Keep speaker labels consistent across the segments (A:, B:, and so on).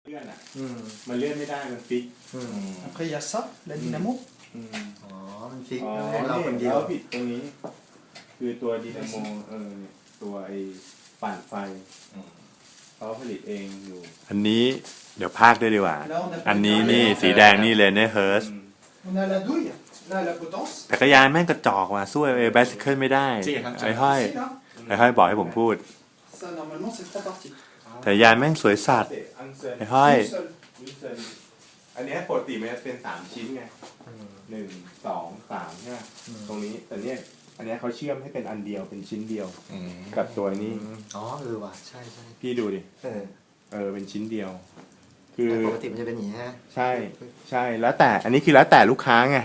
A: เลื่อนอ่ะมันเลื่อนไม่ได้มันฟิก
B: Après, il y a ça, la dynamo.
C: อ๋อ มันฟิก
A: อ๋อ
C: ให้เราคนเดียว
A: ผิดตรงนี้ คือตัวดีนาโมตัวไอ้ปั่นไฟเขาผลิตเองอยู่
D: อันนี้เดี๋ยวพากด้วยดีกว่า
B: Là, on a
D: อันนี้นี่สีแดงนี่เลยเนี่ยเฮิร์ส
B: On a la douille, là, la potence.
D: จักรยานแม่งกระจอกว่ะสู้ไอ้แบสเคิลไม่ได้ไอ้ห้อย
B: Ici, là.
D: ไอ้ห้อยบอกให้ผมพูด
B: Ça, normalement, c'est 3 parties.
D: แต่ยานแม่งสวยสัตว์
A: อันเซิน
D: ไอ้ห้อย
B: Une seule.
A: อันนี้ปกติมันจะเป็น3ชิ้นไง1 2 3ใช่ไหมตรงนี้แต่เนี่ยอันนี้เขาเชื่อมให้เป็นอันเดียวเป็นชิ้นเดียวกับตัวนี้
C: อ๋อว่ะใช่ใช่
A: พี่ดูดิ เป็นชิ้นเดียว คือ
C: แต่ปกติมันจะเป็นอย่างนี้ฮะ
A: ใช่แล้วแต่อันนี้คือแล้วแต่ลูกค้าไง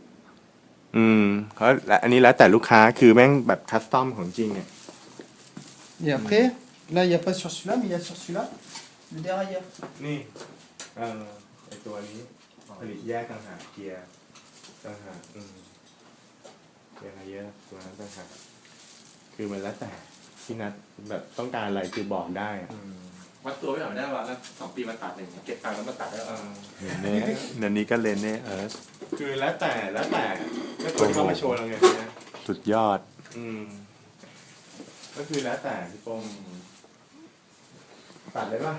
A: เขาอันนี้แล้วแต่ลูกค้าคือแม่งแบบคัสตอมของจริงเนี่ย
B: Et après, là, il n'y a pas sur celui-là, mais il y a sur celui-là, le dérailleur.
A: นี่ไอตัวนี้ผลิตแยกต่างหากเกียร์ต่างหากเกียร์เยอะตัวนั้นต่างหากคือมันแล้วแต่ที่นัดแบบต้องการอะไรคือบอกได้อะ
E: วัดตัวไม่หน่อยได้ว่าแล้ว2 ปีมาตัดหนึ่งเก็บตังค์แล้วมาตัดแล้ว
D: เนี่ยนันนี้ก็เลนเนี่ยเฮิร์ส
A: คือแล้วแต่ก็ตัวที่เขามาโชว์เราไงเนี่ย
D: สุดยอด
A: ก็คือแล้วแต่พี่โป้งตัดเลยป่ะ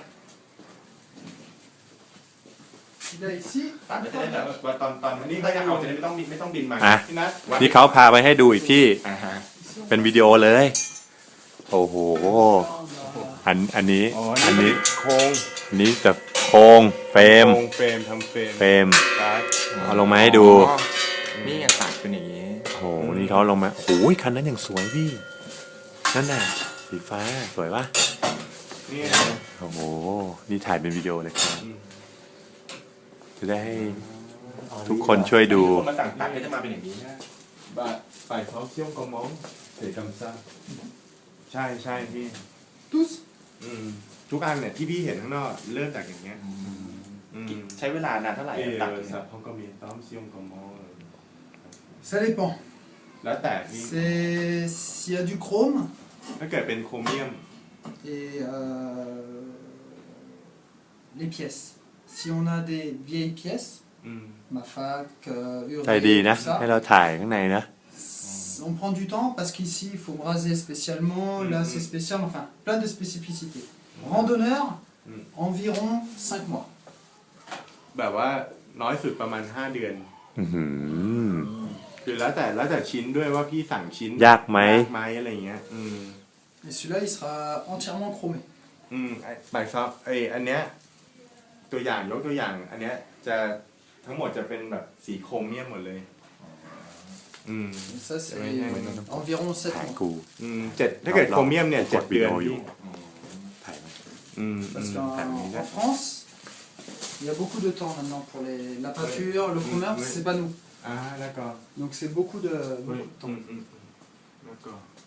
B: Là, ici,
E: ตัดไม่ได้แบบ
A: ว่าตอนนี้
E: นี่
A: เขา
E: เขา
A: จะ
E: จะ
A: เอา
E: เอา
A: จะ
E: จะ
A: ได้
E: ไม่ต้องบินมา
D: อ่ะ
A: พี่นัท
D: นี่เขาพาไปให้ดูอีกที่
B: ici,
D: เป็นวิดีโอเลย โอ้โห อันนี้ อันนี้
A: โครง
D: อันนี้จะโครงเฟรม
A: เฟรมทำเฟรม
D: เฟรม
A: การ์ด
D: เอาลงมาให้ดู
E: นี่ไงตัดเป็นอย่างนี้
D: โอ้โห นี่เขาลงมาโอ้ยคันนั้นอย่างสวยพี่ นั่นน่ะ สีฟ้า สวยปะ
A: นี่
D: โอ้โห นี่ถ่ายเป็นวิดีโอเลยครับ จะได้ให้ทุกคนช่วยดู
E: คนมาสั่งตัดก็จะมาเป็นอย่างนี้นะ
A: บาฝ่ายเขาเชี่ยงกระมองเสกำซ่าใช่พี่
B: tous.
A: ทุกอันเนี่ยที่พี่เห็นข้างนอกเริ่มจากอย่างเงี้ย
E: ใช้เวลานานเท่าไหร่ตัด
A: สับเขาก็มีต้อมเชี่ยงกระมอง
B: Ça dépend.
A: แล้วแต่พี่
B: S'il y a du chrome
A: ถ้าเกิดเป็นโครเมียม
B: et les pièces. Si on a des vieilles pièces, Mafac,
D: ใจดี
B: Uri,
D: นะ
B: tout ça,
D: ให้เราถ่ายข้างในนะ
B: on prend du temps parce qu'ici il faut braser spécialement, là c'est spécial, enfin plein de spécificités. Randonneur, environ 5 mois.
A: แบบว่าน้อยสุดประมาณ5 เดือน
D: อื้อหือ
A: คือแล้วแต่ชิ้นด้วยว่าพี่สั่งชิ้น
D: ยากไหม
A: อะไรอย่างเงี้ย
B: Et celui-là il sera entièrement chromé.
A: แบบซอฟอันเนี้ยตัวอย่างยกตัวอย่างอันเนี้ยจะทั้งหมดจะเป็นแบบสีโครเมียมหมดเลย
B: Et ça c'est
A: Ouais, ouais, ouais.
B: environ 7
D: ถ่าย
B: mois.
D: กู
A: 7ถ้าเกิดโครเมียมเนี่ย
D: กด
A: 7
D: วิ
A: เดื
D: ดี
A: อน
D: โออยู่
A: พี่
D: ถ่ายมา
B: Parce qu'en France, il y a beaucoup de temps maintenant pour la peinture, le commerce,
A: ouais.
B: c'est pas nous.
A: แล้วก็
B: Donc c'est beaucoup de temps.
A: แล้ว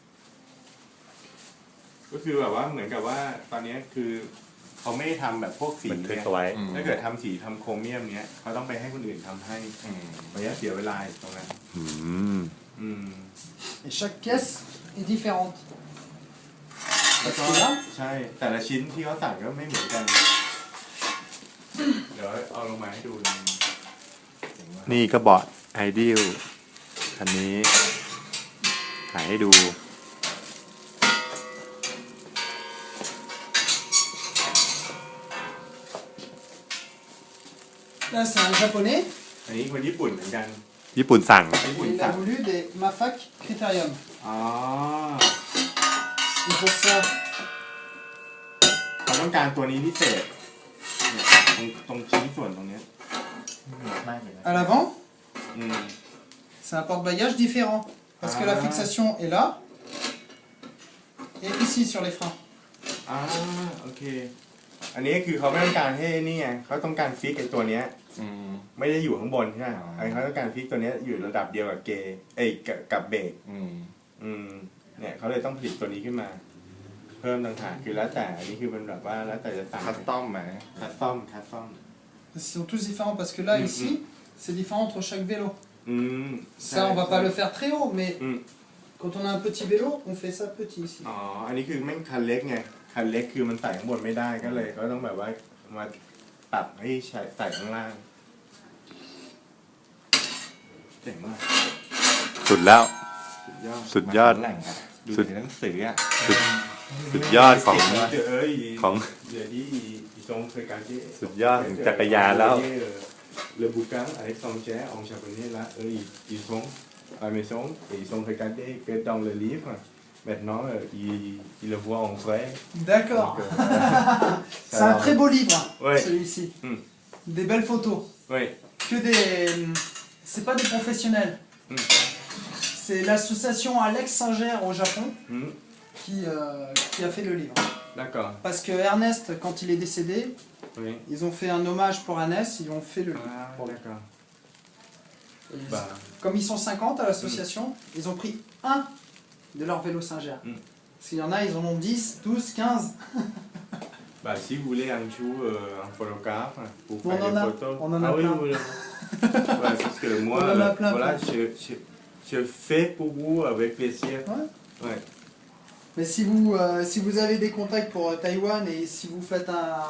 A: ก็คือแบบว่าเหมือนกับว่าตอนนี้คือเขาไม่ได้ทำแบบพวกสี
D: บันทึก
A: เนี่ย
D: เอาไว้
A: ถ้าเกิดทำสีทำโครเมียมเนี้ยเขาต้องไปให้คนอื่นทำให้ระยะเสียเวลาอีกตรงนั้น
D: อืม
B: Et chaque pièce est différente.
A: แล้วก็
B: Parce que là,
A: ใช่แต่ละชิ้นที่เขาสั่งก็ไม่เหมือนกัน เดี๋ยวเอาลงมาให้ดู
D: นี่ก็บอร์ดไอเดียลคันนี้ถ่ายให้ดู
B: là c'est un japonais,
A: อันนี้คนญี่ปุ่นเหมือนกัน
D: ญี่ปุ่นสั่ง
A: ญี่ปุ่น
B: il
A: สั่
B: a
A: ง
B: voulu des Mafac Criterium.
A: อ๋อ
B: Et pour ça,
A: เขาต้องการตัวนี้พิเศษเนี่ยตรงชิ้นส่วนตรงเนี้ย
B: à l'avant,
A: อืม
B: c'est un porte-bagages différent. Parce que la
A: Ah.
B: fixation est là, et ici sur les freins.
A: โอเค อันนี้คือเขาไม่ต้องการให้นี่ไงเขาต้องการฟิกไอ้ตัวเนี้ยไม่ได้อยู่ข้างบนใช่ไหมเขาต้องการฟิกตัวเนี้ยอยู่ระดับเดียวกับกับเบรกเนี่ยเขาเลยต้องผลิตตัวนี้ขึ้นมา เพิ่มต่างหากคือแล้วแต่อันนี้คือเป็นแบบว่าแล้วแต่จะสั่ง
E: คัสตอมไหม
A: คัสตอม
B: Ils sont tous différents parce que là, ici, c'est différent entre chaque vélo.
A: อืม
B: Ça, on va pas le faire très haut, mais
A: Mm.
B: quand on a un petit vélo, on fait ça petit ici.
A: อ๋ออันนี้คือแม่งคันเล็กไงคันเล็กคือมันใส่ข้างบนไม่ได้ก็เลยก็ต้องแบบว่ามาปรับให้ใส่ข้างล่างเจ๋งมาก
D: สุดแล้ว
A: สุดยอด
D: สุดยอด
E: แหล่งอะดู
D: สุด
E: ในหนังสืออ่ะ
D: สุดยอดของ ของ
A: เดี๋ยวนี้อีทรงเคยการที่
D: สุดยอดของจักรยานแล้ว
A: Le bouquin avec son jet en japonais là, eux ils sont à la maison et ils sont regardés que dans le livre. Maintenant ils le voient en vrai.
B: D'accord.
A: Donc,
B: C'est un très beau livre,
A: Ouais.
B: celui-ci.
A: Mm.
B: Des belles photos.
A: Oui.
B: Que des. C'est pas des professionnels.
A: Mm.
B: C'est l'association Alex Singer au Japon
A: Mm.
B: qui a fait le livre.
A: D'accord.
B: Parce que Ernest, quand il est décédé,
A: Oui.
B: ils ont fait un hommage pour Ernest, ils ont fait le livre.
A: Ah, d'accord.
B: Et ils-
A: Bah,
B: Comme ils sont 50 à l'association, ils ont pris un de leur vélo Singer.
A: Mm.
B: Parce qu'il y en a, ils en ont 10, 12, 15.
A: bah, si vous voulez un jour un photographe pour
B: On
A: faire
B: en
A: des
B: a-
A: photos.
B: on en a
A: ah oui,
B: plein.
A: oui, oui. Ouais, parce que moi,
B: On en a plein,
A: voilà,
B: plein.
A: je fais pour vous avec plaisir.
B: Ouais.
A: Ouais.
B: Mais si vous avez des contacts pour Taïwan et si vous faites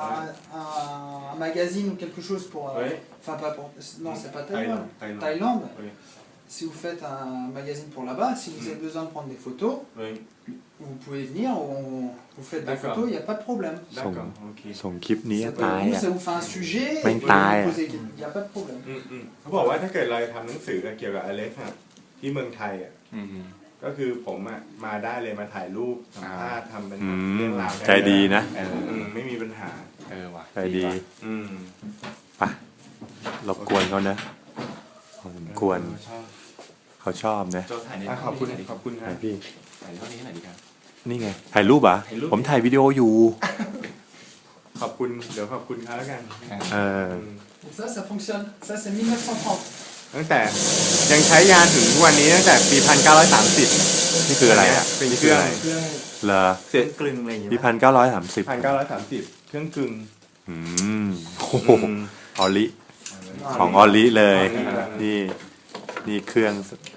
B: un magazine ou quelque chose pour...
A: Ouais.
B: Enfin, pas pour... Non, c'est pas Taïwan.
A: Thaïlande.
B: Thaïlande.
A: Oui.
B: Si vous faites un magazine pour là-bas, si vous avez besoin de prendre des photos,
A: Oui.
B: vous pouvez venir, vous faites des
A: D'accord.
B: photos, il n'y a pas de problème.
A: D'accord. Ok.
D: ส่งคลิปนี้
B: Ça,
D: ตาย
B: vous,
D: อ่ะ
B: ça vous fait un sujet, et
D: Même
B: vous
D: taille.
B: posez... il n'y a pas de problème.
A: เขาบอกว่าถ้าเกิดเราทำหนังสือเกี่ยวกับอเล็กซ์อะที่เมืองไทยอ่ะ
E: อืม
A: ก็คือผมอ่ะมาได้เลยมาถ่ายรูปสัมภาษณ์ทำเป็น
D: อื
A: เรื่อ
D: ม
A: งราว
D: ใจดีนะ
A: ไม่มีปัญหา
E: ว่ะ
D: ใจดี
A: อืม
D: ไปรบกวนเขานะพอสมควร
A: ชอบ
D: เขาชอบนะ
E: โจถ่ายใน
A: ขอบคุณขอบคุณค
D: ไหน
A: รับ
D: พี่
E: ถ่ายเท่านี้หน่อยดีครับ
D: นี่ไง ถ่ายรูปเหรอ่ะ
E: ถ่ายรูป
D: ผมถ่ายวิดีโออยู่
A: ขอบคุณเดี๋ยวขอบคุณเขาแล้วกัน
D: เออ
B: Et ça fonctionne. Ça, c'est 1930.
A: ตั้งแต่ยังใช้ยานถึงทุกวันนี้ตั้งแต่ปี 1930
D: นี่คืออะไรอ่ะ
A: เป็น
D: นี่
A: เค
D: คือ
A: รื่อง
D: อะไร
C: เครื่อง
D: เหรอ
A: เสร็จ
C: กลึงอะไรอย่างเงี้ย
D: ปี
C: ป่ะ
D: 1930
A: 1930 เครื่องกึ่ง
D: อืมโอ้โหออลิ ของออลิเลย นี่ นี่เครื่อง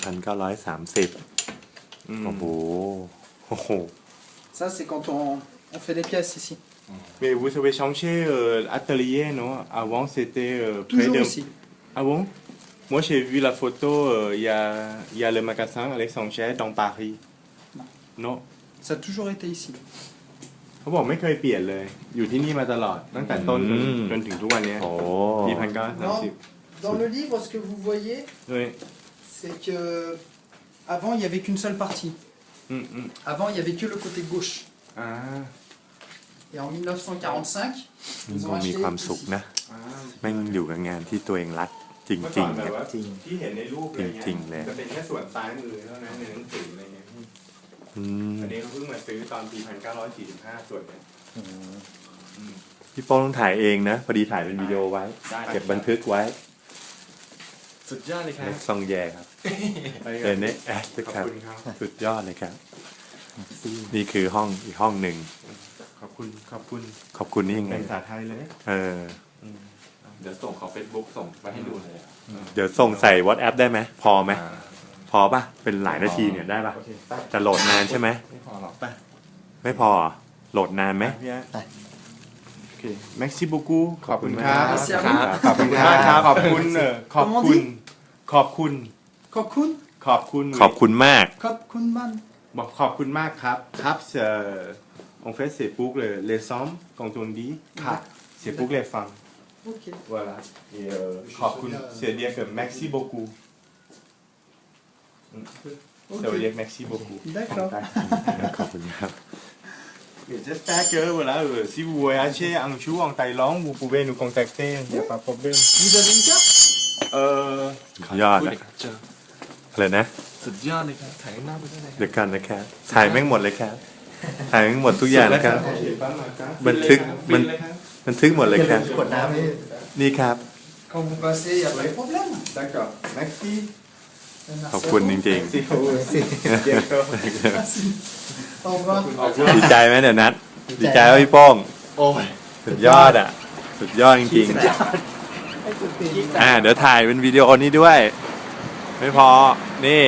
D: 1930 โอ้โห โอ้โห
B: Ça, c'est quand on fait les pièces ici.
A: Mais vous avez changé atelier, non? Avant, c'était près
B: Toujours
A: de...
B: ici.
A: Ah bon? Moi, j'ai vu la photo, il y a le magasin Alexandre dans Paris. Non.
B: Ça a toujours été ici.
A: เขาบอกไม่เคยเปลี่ยนเลย อยู่ที่นี่มาตลอด ตั้งแต่ต้นจนถึงทุกวันนี้
D: โอ้
A: ปี
B: Non,
A: 1930
B: dans le livre, ce que vous voyez,
A: Oui.
B: c'est que avant, il n'y avait qu'une seule partie. Avant, il n'y avait que le côté gauche.
A: อ่า
B: Et en 1945,
D: มัน
B: ils
D: ค
B: ont
D: งมี
B: acheté
D: ความสุข
B: ici.
D: นะ แม่งอยู่กับงานที่ตัวเองรักจ
A: เมื่อ
D: ริ
A: ก่อง น
D: ๆ
A: แบบ
D: เนี่ย
A: ว่าที่เห็นในรูปอะไรเงี้ย
D: จริงๆเลย
A: จะเป็นแค่ส่วนซ้ายมือเท่านั้นในหนังสืออะไรเงี้ย
D: อืม
A: อันนี้เขาเพิ่งมาซื้อตอนปี 1945 ส่วนเนี่ย
D: พี่โป้ต้องถ่ายเองนะ พอดีถ่ายเป็นวิดีโอไว้ เก็บบันทึกไว้
E: สุดยอดเลยครับ
D: เล็กซองแยครับ
A: ไป
D: เอ
A: กัน
D: เนแอส
A: ขอบ
D: ครับ
A: คุณครับ
D: สุดยอดเลยครับ นี่คือห้องอีกห้องหนึ่ง
A: ขอบคุณ ขอบคุณ
D: ขอบคุณนี่ยังไง
A: เป็นภาษาไทยเลย
D: เออ
E: เดี๋ยวส่งของ Facebook ส่งไปให้ดูเลยอะ
D: เดี๋ยวส่งใส่ WhatsApp ได้ไหม พอไหม พอป่ะ เป็นหลายนาทีเนี่ยได้ป่ะ
A: โอเคไป
D: จะโหลดนานใช่ไหม
E: ไม่พอหรอก
D: ไม่พอเหรอโหลดนานไหม
A: พี่ฮะโอเค merci beaucoup ขอบคุณครับ
B: Merci à vous.
A: ขอบคุณมากครับ ขอบคุณขอบคุณ ขอบคุณ
B: Kokun,
A: ขอบคุณ
D: ขอบคุณมาก
B: Kopkunman.
A: บอกขอบคุณมากครับ ครับen fait c'est pour les hommes quand on dit ครับ c'est pour les femmes
B: Ok.
A: voilà et ขอบคุณ c'est dire que merci beaucoup ça veut dire merci beaucoup
B: D'accord.
D: ขอบคุณครับ
A: Et j'espère que voilà, si vous voyagez un jour en Thaïlande, vous pouvez nous contacter, il n'y a pas de problème.
B: Vous avez une carte
D: สุดยอด
E: พูด
D: อะ
E: เลยครับเจอ
D: อะไรนะ
E: สุดยอดเลยครับถ่ายข้างหน้าไปด้วยเลย
D: เดี๋ยวกันนะครับ ถ่ายแม่งหมดเลยครับ ถ่ายแม่งหมดทุกอย่างนะครับ บันทึก บันทึกหมดเลยครับ
C: กดน้ำนี่
D: นี่ครับ
B: Quand vous passez, il n'y a pas de problème.
A: D'accord, merci.
B: Merci
D: ขอบคุณ
B: à
D: จ
B: vous.
D: ริง
A: Merci beaucoup. Bientôt.
B: Merci. Au revoir.
A: Au revoir.
D: ๆ ดีใจไหมเดี๋ยวนัดดีใจว่าพี่โป้ง
C: โอ้ย
D: สุดยอดอ่ะ สุดยอดจริงๆ เดี๋ยวถ่ายเป็นวิดีโอนี้ด้วย ไม่พอ นี่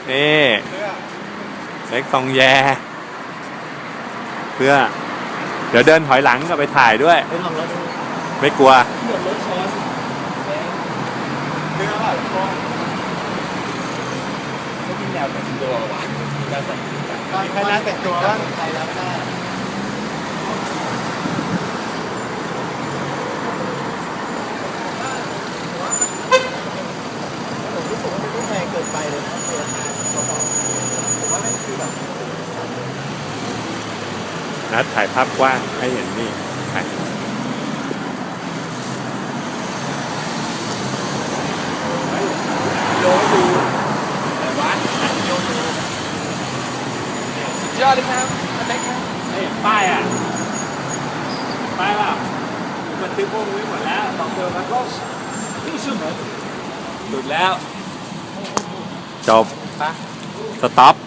D: เล็กซองแย เพื่อ เดี๋ยวเดินถอยหลังกลับไปถ่ายด้วย
C: ไม่ลองแล้วดู
D: ไม่กลัว
A: คืออะไรก็
E: ไม่มีแนวแต่งตัวว่ะแนวแต่งตัว
A: มีคณะแต่งตัวบ้าง
C: ไทยแล้วก็ผมรู้สึกว่ามันไม่แพงเกินไปเลยนะราคาเบาๆผมว่านั่นคือแบบ
D: นัดถ่ายภาพกว้างให้เห็นนี่ถ่าย
E: โยดูแต่วัดโยดูสุดยอดเลยครับอเล็กครับ
F: เห็นป้ายอ่ะป้ายว่าบันทึกพวกนี้หมดแล้วสองเดือนแล้วก็ที่ชั่วโมงหลุดแล้ว
D: จบ สต็อป